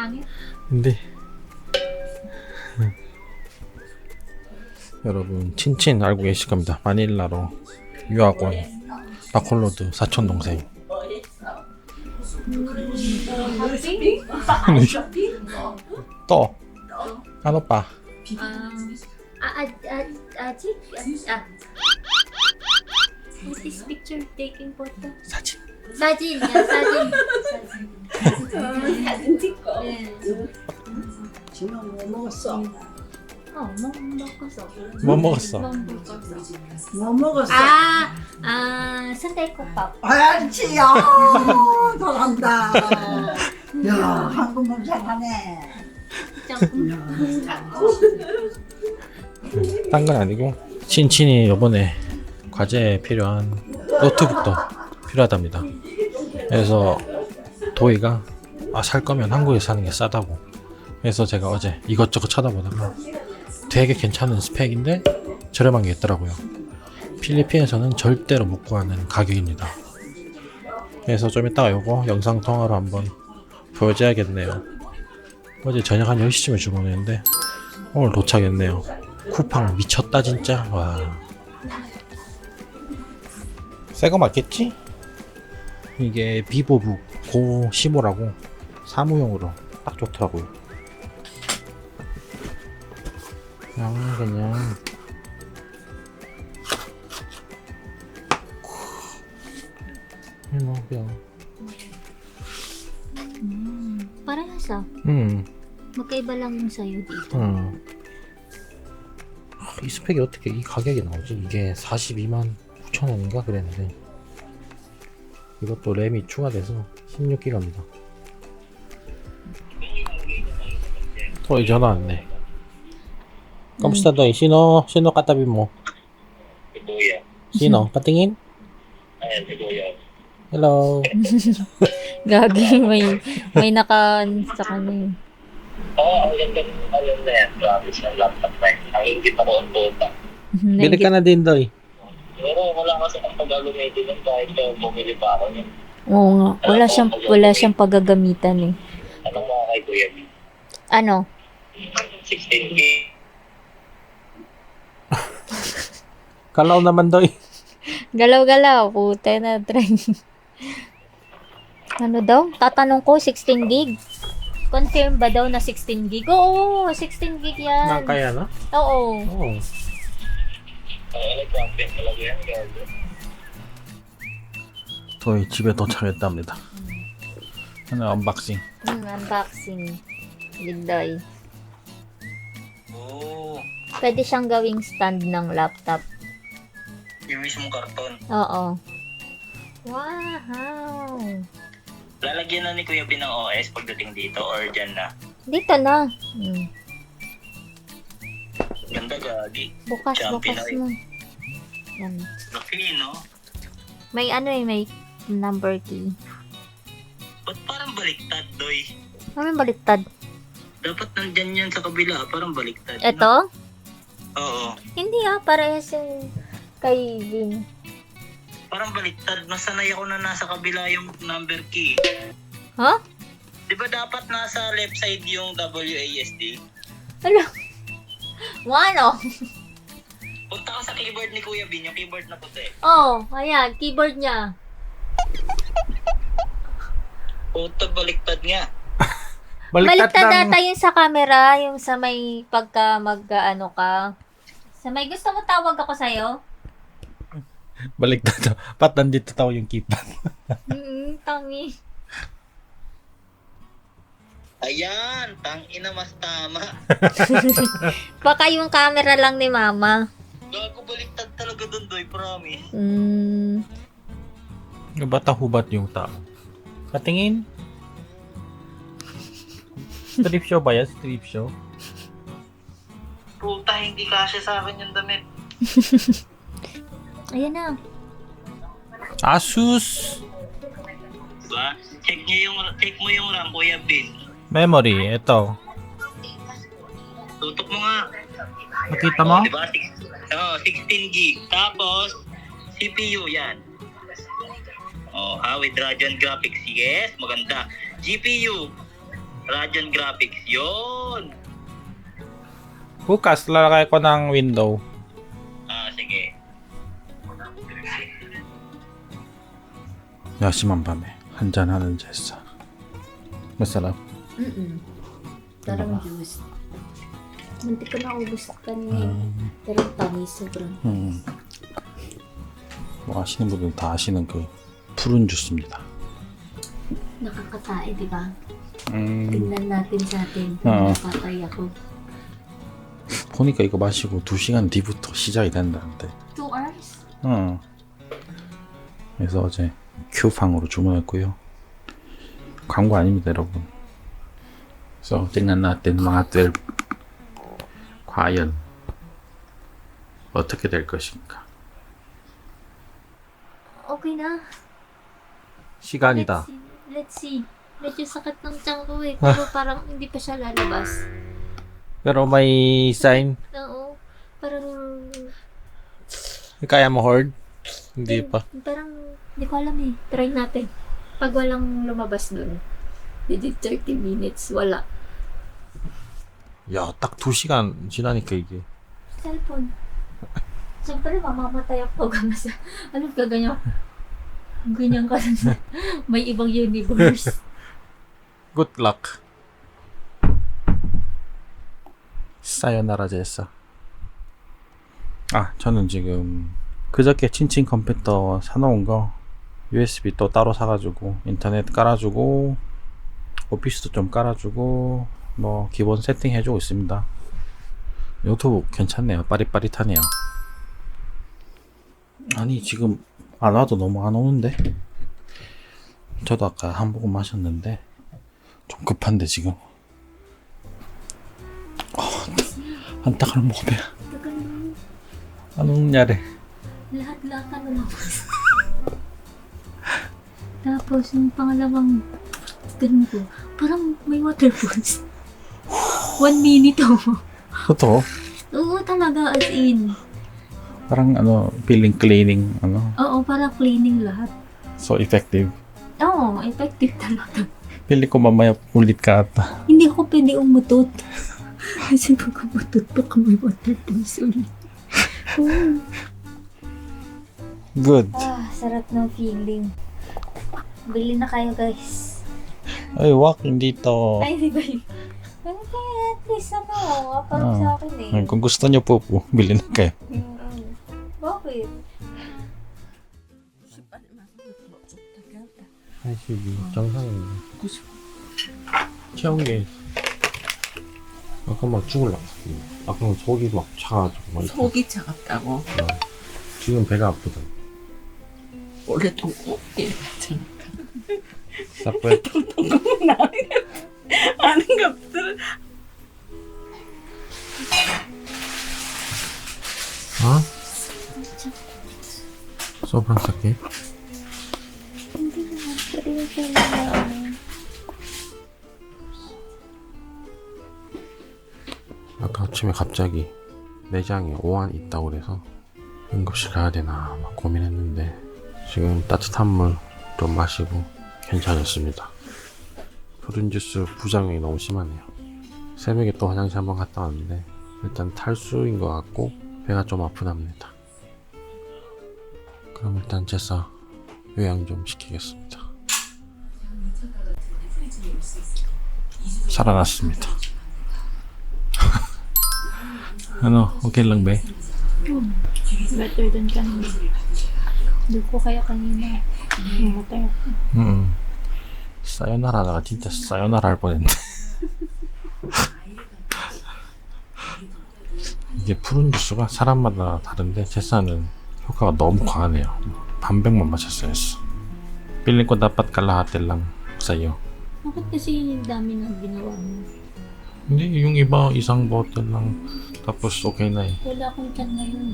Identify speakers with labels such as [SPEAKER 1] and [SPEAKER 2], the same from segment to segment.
[SPEAKER 1] pangit.
[SPEAKER 2] 근데 여러분 친친 알고 계실 겁니다. 마닐라로 유학 온 바콜로드 사촌 동생. 또 한 오빠.
[SPEAKER 1] Ajik? What is picture taking photo?
[SPEAKER 2] 사진.
[SPEAKER 1] Sajin, yeah, sajin.
[SPEAKER 3] 사진 찍고.
[SPEAKER 4] 지금 뭐 먹었어?
[SPEAKER 1] 먹었어.
[SPEAKER 2] 뭐 먹었어?
[SPEAKER 4] 뭐 먹었어?
[SPEAKER 1] 순대국밥.
[SPEAKER 4] 알지요. 잘한다. 야, 한국말 잘하네.
[SPEAKER 2] 딴 건 아니고 친친이 요번에 과제에 필요한 노트북도 필요하답니다. 그래서 도희가 살 거면 한국에서 사는 게 싸다고. 그래서 제가 어제 이것저것 찾아보다가 되게 괜찮은 스펙인데 저렴한 게 있더라고요. 필리핀에서는 절대로 못 구하는 가격입니다. 그래서 좀 이따가 요거 영상통화로 한번 보여줘야겠네요. 어제 저녁 한 10시쯤에 주문했는데 오늘 도착했네요. 쿠팡 미쳤다 진짜. 와, 새거 맞겠지? 이게 비보북 고 15라고 사무용으로 딱 좋더라고요. 그냥
[SPEAKER 1] Parehas magkaiba lang yung sa'yo dito.
[SPEAKER 2] 이 스펙이 어떻게 이 가격이 나오지? 이게 42만 9천 원인가 그랬는데 이것도 램이 추가돼서 16기가입니다. 또 전화 왔네. Kamusta Doy? Sino katabi mo?
[SPEAKER 5] Si Kuya.
[SPEAKER 2] Sino? Patingin?
[SPEAKER 5] Ayan, si Kuya.
[SPEAKER 2] Hello.
[SPEAKER 1] Gagi, may naka sa kanya.
[SPEAKER 5] Oo, ang ganda ng alam na yan. Promise ng laptop na yun. Ang ingit ako ang puta.
[SPEAKER 2] Bili ka na din Doy.
[SPEAKER 5] Pero wala kasi ang pag-alumated nun kahit bumili pa ako niya.
[SPEAKER 1] Oo nga, wala siyang paggagamitan eh.
[SPEAKER 5] Anong mga kay Kuya?
[SPEAKER 1] Ano?
[SPEAKER 5] 16K.
[SPEAKER 2] Kalaw naman Doy.
[SPEAKER 1] Galaw-galaw, puta na try. Ano daw? Tatanong ko, 16 gig? Confirm ba daw na 16 gig? Oo, 16 gig yan.
[SPEAKER 2] Kaya na?
[SPEAKER 1] Oo.
[SPEAKER 2] Oo.
[SPEAKER 5] Nag-campaign talaga yan. Gago.
[SPEAKER 2] 저희 집에 도착했답니다. 하나 언박싱.
[SPEAKER 1] Unboxing. Bigday.
[SPEAKER 5] Oo.
[SPEAKER 1] Pwede siyang gawing stand ng laptop.
[SPEAKER 5] Yung mismong karton.
[SPEAKER 1] Oo. Wow!
[SPEAKER 5] Lalagyan na ni Kuya B ng OS pagdating dito or dyan na.
[SPEAKER 1] Dito na.
[SPEAKER 5] Ganda gagi.
[SPEAKER 1] Bukas
[SPEAKER 5] Champion na
[SPEAKER 1] mo. Yan.
[SPEAKER 5] Laki, no?
[SPEAKER 1] May may number key.
[SPEAKER 5] Ba't parang baliktad, Doy?
[SPEAKER 1] Ano yung baliktad?
[SPEAKER 5] Dapat nandyan yan sa kabila. Parang baliktad.
[SPEAKER 1] Ito?
[SPEAKER 5] Oo.
[SPEAKER 1] Hindi parehas yung kay Vin.
[SPEAKER 5] Parang baliktad. Nasanay ako na nasa kabila yung number key.
[SPEAKER 1] Huh?
[SPEAKER 5] Di ba dapat nasa left side yung WASD?
[SPEAKER 1] Ano? Ano?
[SPEAKER 5] Punta ka sa keyboard ni Kuya Bin, yung keyboard na puti.
[SPEAKER 1] Oh, ayan, keyboard niya.
[SPEAKER 5] Puta, baliktad nga.
[SPEAKER 1] Baliktad data yung sa camera, yung sa may pagka mag-ano ka. Sa may gusto mo tawag ako sa'yo?
[SPEAKER 2] Baliktad. Pat nandito tao yung keypad.
[SPEAKER 1] Tangi.
[SPEAKER 5] Ayan, tangina mas tama.
[SPEAKER 1] Baka yung camera lang ni mama.
[SPEAKER 5] Gago, baliktad talaga dun, Doy, promise.
[SPEAKER 2] Bata hubat yung tao. Patingin. Strip show ba yan? Strip show?
[SPEAKER 5] Puta, hindi kasya sa akin yung damit.
[SPEAKER 1] Ayan na.
[SPEAKER 2] Asus
[SPEAKER 5] Diba? Check mo yung RAM, Kuya Bin.
[SPEAKER 2] memory. Ito.
[SPEAKER 5] Tutok mo nga.
[SPEAKER 2] Nakita mo?
[SPEAKER 5] Diba? 16 gig. Tapos, CPU yan. With Radeon graphics. Yes, maganda. GPU. Radeon Graphics, yun!
[SPEAKER 2] Bukas, lalakay ko ng window.
[SPEAKER 5] Sige.
[SPEAKER 2] 야심한 밤에 한잔하는 제사. Masarap.
[SPEAKER 1] Parang juice. Muntik ko naubos kanina. Pero tamis sobrang.
[SPEAKER 2] 뭐 아시는 분들은 다 아시는 그 푸른 주스입니다.
[SPEAKER 1] Nakakatae, di ba? Tingnan natin sa atin kung
[SPEAKER 2] Oo.
[SPEAKER 1] nakakaya ko.
[SPEAKER 2] 보니까 이거 마시고 2시간 뒤부터 시작이 된다는데.
[SPEAKER 1] 2 hours?
[SPEAKER 2] 그래서 어제 큐팡으로 주문했고요. 광고 아닙니다, 여러분. So, tingnan natin mga 12. 과연 어떻게 될 것인가?
[SPEAKER 1] Okay na.
[SPEAKER 2] 시간이다.
[SPEAKER 1] Let's see. Medyo sakit ng tiyan ko eh. Pero parang hindi pa siya lalabas.
[SPEAKER 2] Pero may sign.
[SPEAKER 1] Oo. Parang...
[SPEAKER 2] Kaya mo horde? Hindi pa.
[SPEAKER 1] Parang, hindi ko alam eh. Try natin. Pag walang lumabas dun. Within 30 minutes, wala.
[SPEAKER 2] 야, 딱 2시간 지나니까 이게.
[SPEAKER 1] Cellphone. Siyempre, mamamatay ako pag nasa... Ano ka ganyan? Ganyan ka na. May ibang universe.
[SPEAKER 2] Good luck. 사요나라 제사. 아, 저는 지금 그저께 친친 컴퓨터 사놓은 거 USB 또 따로 사가지고 인터넷 깔아주고 오피스도 좀 깔아주고 뭐 기본 세팅 해주고 있습니다. 노트북 괜찮네요. 빠릿빠릿하네요. 아니 지금 안 와도 너무 안 오는데. 저도 아까 한 모금 마셨는데 좀 급한데 지금. 한 딱을 먹으면
[SPEAKER 1] Tagal naman.
[SPEAKER 2] anong nangyari?
[SPEAKER 1] Lahat-lahat ano lang. Tapos, yung pangalawang ganun ko, parang may water pulse. 1 minute oh.
[SPEAKER 2] Totoo?
[SPEAKER 1] Oo talaga, as in.
[SPEAKER 2] Parang ano, feeling cleaning, ano,
[SPEAKER 1] Oo, parang cleaning lahat.
[SPEAKER 2] so effective.
[SPEAKER 1] Oo, effective talaga.
[SPEAKER 2] Pili ko mamaya ulit ka ata.
[SPEAKER 1] Hindi ako pwede umutot. Kasi pag umutot, baka may water pulse ulit. Oo.
[SPEAKER 2] Good.
[SPEAKER 1] Ah, sarap ng feeling. Bili na kayo, guys.
[SPEAKER 2] Ay, walking dito.
[SPEAKER 1] Ay, hindi ba yun? Ano kaya at least ano, parang sa akin eh.
[SPEAKER 2] Ay, kung gusto nyo po, bili na kayo.
[SPEAKER 1] Bakit?
[SPEAKER 2] 82 정상인데. 채운 게 아까 막 죽을라. 아까 속이 막 차가지고 막 이렇게.
[SPEAKER 4] 속이 차갑다고.
[SPEAKER 2] 지금 배가 아프다.
[SPEAKER 4] 원래 통곡이 있잖아.
[SPEAKER 2] 사뿌에
[SPEAKER 4] 아는 것들은
[SPEAKER 2] 어? 소프랑 쌀게.
[SPEAKER 1] Hindi naman pwede kailangan.
[SPEAKER 2] 아까 아침에 갑자기 내장에 오한이 있다고 그래서 응급실 가야 되나 막 고민했는데 지금 따뜻한 물 좀 마시고 괜찮았습니다. 푸른 주스 부작용이 너무 심하네요. 새벽에 또 화장실 한번 갔다 왔는데 일단 탈수인 것 같고 배가 좀 아프답니다. 그럼 일단 제사 요양 좀 시키겠습니다. 살아났습니다. ano, okay lang ba?
[SPEAKER 1] Better than kanina. Hindi ko kaya kanina. Mamatay ako.
[SPEAKER 2] 사요나라다가 진짜 사요나라 할 뻔했네. 이게 푸른 주스가 사람마다 다른데 제사는 효과가 너무 과하네요. 반백만 마셨어야 했어. Feeling ko dapat kalahati lang sa'yo.
[SPEAKER 1] Bakit kasi dami nang ginawa mo?
[SPEAKER 2] Hindi, yung iba isang bottle lang tapos okay na eh.
[SPEAKER 1] Wala akong tiyan ngayon.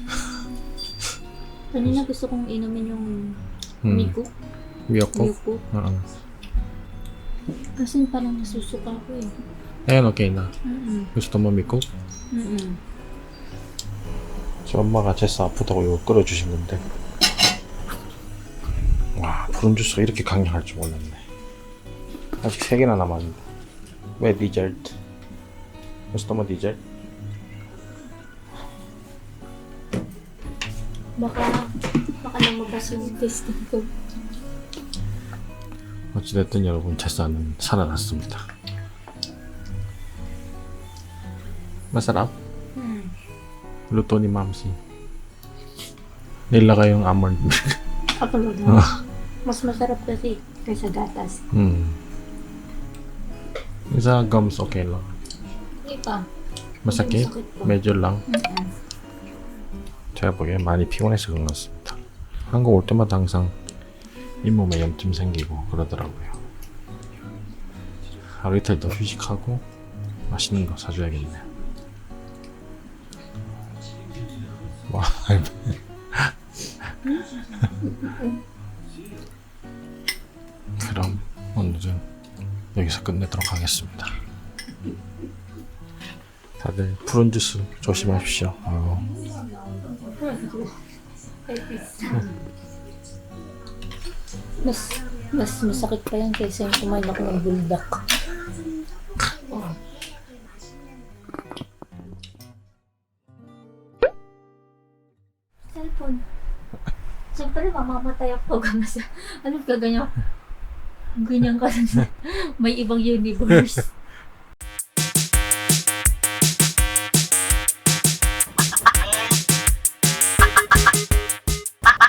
[SPEAKER 1] Kanina gusto kong inumin yung Miko.
[SPEAKER 2] Miyoko?
[SPEAKER 1] Miko.
[SPEAKER 2] Oo.
[SPEAKER 1] Kasi parang nasusuka ko eh.
[SPEAKER 2] Ayan, okay na.
[SPEAKER 1] Mm-mm.
[SPEAKER 2] gusto mo 미국?
[SPEAKER 1] Mm-mm.
[SPEAKER 2] 저 엄마가 제사 아프다고 이거 끓여주신 건데 와 푸른 주스가 이렇게 강력할 줄 몰랐네. 아직 3개나 남았는데 May dessert. Gusto mo dessert?
[SPEAKER 1] baka lumabas yung testing ko.
[SPEAKER 2] 어찌됐든 여러분 제사는 살아났습니다. Masarap? Luto ni Mamsi. Nilagay yung almond milk.
[SPEAKER 1] Kapulog Mas masarap kasi kaysa gatas.
[SPEAKER 2] Sa gums okay lang.
[SPEAKER 1] Hindi pa.
[SPEAKER 2] Masakit?
[SPEAKER 1] Masakit po.
[SPEAKER 2] medyo lang. 제가 보기엔 많이 피곤해서 그런 것 같습니다. 한국 올 때마다 항상 잇몸에 염증 생기고 그러더라고요. 하루 이틀 더 휴식하고 맛있는 거 사줘야겠네요. 와, 그럼 오늘은 여기서 끝내도록 하겠습니다. 다들 푸른 주스 조심하십시오.
[SPEAKER 1] Mas masakit pa yan kaysa yung kumain ako ng buldak. Cellphone. Siyempre, mamamatay ako pag ano ka ganyan. Ganyan ka. May ibang universe.